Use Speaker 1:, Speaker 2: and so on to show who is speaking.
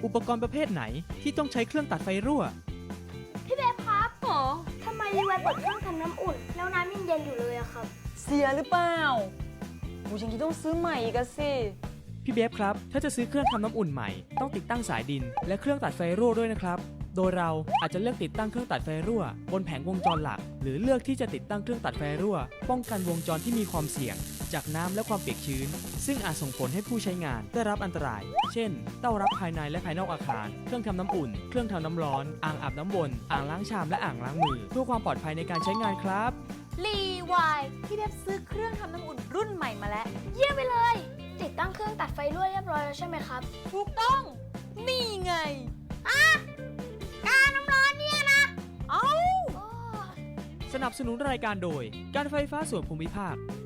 Speaker 1: อุปกรณ์ประเภทไหนที่ต้องใช้เครื่องตัดไฟรั่ว
Speaker 2: พี่เบฟครับทำไมรีไวเปิดเครื่องทำน้ำอุ่นแล้วน้ำยังเย็นอยู่เลยอะครับ
Speaker 3: เสียหรือเปล่ากูยังคิดต้องซื้อใหม่อีกอะสิ
Speaker 1: พี่เบฟครับถ้าจะซื้อเครื่องทำน้ำอุ่นใหม่ต้องติดตั้งสายดินและเครื่องตัดไฟรั่วด้วยนะครับโดยเราอาจจะเลือกติดตั้งเครื่องตัดไฟรั่วบนแผงวงจรหลักหรือเลือกที่จะติดตั้งเครื่องตัดไฟรั่วป้องกันวงจรที่มีความเสี่ยงจากน้ำและความเปียกชื้นซึ่งอาจส่งผลให้ผู้ใช้งานได้รับอันตรายเช่นเต้ารับภายในและภายนอกอาคารเครื่องทำน้ำอุ่นเครื่องทำน้ำร้อนอ่างอาบน้ำวนอ่างล้างชามและอ่างล้างมือเพื่อความปลอดภัยในการใช้งานครับ
Speaker 3: รีวายพี่เบบซื้อเครื่องทำน้ำอุ่นรุ่นใหม่มาแล้ว
Speaker 2: เยี่ยมไปเลยติดตั้งเครื่องตัดไฟรั่วเรียบร้อยแล้วใช่ไหมครับ
Speaker 3: ถูกต้องนี่ไง
Speaker 2: กาน้ำร้อนเนี่ยนะ
Speaker 3: เอ้า
Speaker 1: สนับสนุนรายการโดยการไฟฟ้าส่วนภูมิภาค